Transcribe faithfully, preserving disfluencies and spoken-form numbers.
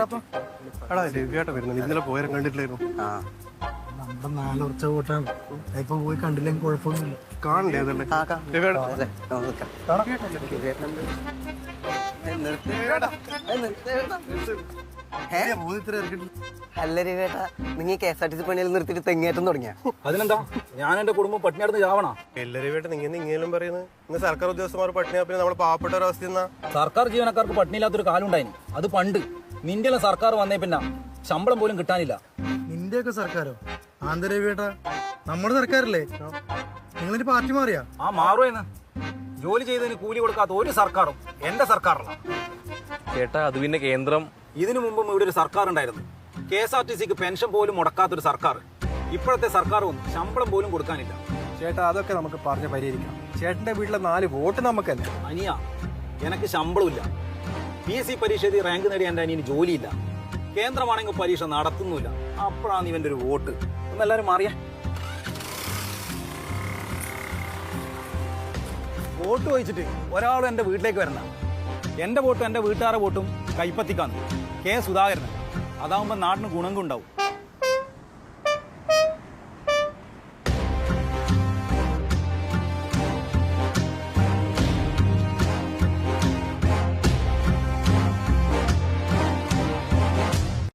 എടാ രവിയാട്ട വരുന്നത് ഇന്നലെ പോയാലും കണ്ടിട്ടില്ലായിരുന്നു. നമ്മുടെ നാലുറച്ച വോട്ടാണ്. ഇപ്പൊ പോയി കണ്ടില്ലെങ്കിൽ കുഴപ്പമൊന്നുമില്ല. കാണണ്ടേ അതല്ലേ അല്ല രവിയേട്ടാ, നിങ്ങൾ K S R T C പണിയിൽ നിർത്തിയിട്ട് തെങ്ങേറ്റം തുടങ്ങിയ അതിനെന്താ? ഞാൻ എന്റെ കുടുംബം പട്ടിണിയടുത്ത് ചാവണ? എല്ലാ രവിയാട്ട നിങ്ങൾ ഇങ്ങനെയും പറയുന്നത് ഇന്ന് സർക്കാർ ഉദ്യോഗസ്ഥന്മാർ പട്ടിണിയാ പിന്നെ നമ്മൾ പാവപ്പെട്ട ഒരു അവസ്ഥ എന്നാ. സർക്കാർ ജീവനക്കാർക്ക് പട്ടിണിയില്ലാത്തൊരു കാലം ഉണ്ടായിന്. അത് പണ്ട്. നിന്റെ സർക്കാർ വന്നേ പിന്നെ ശമ്പളം പോലും കിട്ടാനില്ല. നിന്റെയൊക്കെ സർക്കാരോ? ആന്തരവിയേട്ടാ, നമ്മുടെ സർക്കാരല്ലേ? നിങ്ങളൊരു പാർട്ടി മാറിയാ? ആ മാറുമെന്ന്. ജോലി ചെയ്തതിന് കൂലി കൊടുക്കാത്ത ഒരു സർക്കാരും എന്റെ സർക്കാരല്ല ചേട്ടാ. അത് പിന്നെ കേന്ദ്രം. ഇതിനു മുമ്പും ഇവിടെ ഒരു സർക്കാർ ഉണ്ടായിരുന്നു. കെ എസ് ആർ ടി സിക്ക് പെൻഷൻ പോലും മുടക്കാത്തൊരു സർക്കാർ. ഇപ്പോഴത്തെ സർക്കാരും ശമ്പളം പോലും കൊടുക്കാനില്ല. ചേട്ടാ, അതൊക്കെ നമുക്ക് പറഞ്ഞ് പരിഹരിക്കാം. ചേട്ടന്റെ വീട്ടിലെ നാല് വോട്ട് നമുക്കല്ലേ? അനിയ, എനിക്ക് ശമ്പളമില്ല. പി എസ് സി പരീക്ഷ എഴുതി റാങ്ക് നേടിയ എന്റെ അനിയന് ജോലിയില്ല. കേന്ദ്രമാണെങ്കിൽ പരീക്ഷ നടത്തുന്നില്ല. അപ്പോഴാണ് ഇവന്റെ ഒരു വോട്ട്. ഒന്നെല്ലാരും മാറിയ വോട്ട് ചോദിച്ചിട്ട് ഒരാളും എന്റെ വീട്ടിലേക്ക് വരണ്ട. എന്റെ വോട്ടും എന്റെ വീട്ടുകാരുടെ വോട്ടും കൈപ്പത്തിക്കാന്ന്. കെ സുധാകരൻ. അതാവുമ്പോ നാടിന് ഗുണം ഉണ്ടാവും.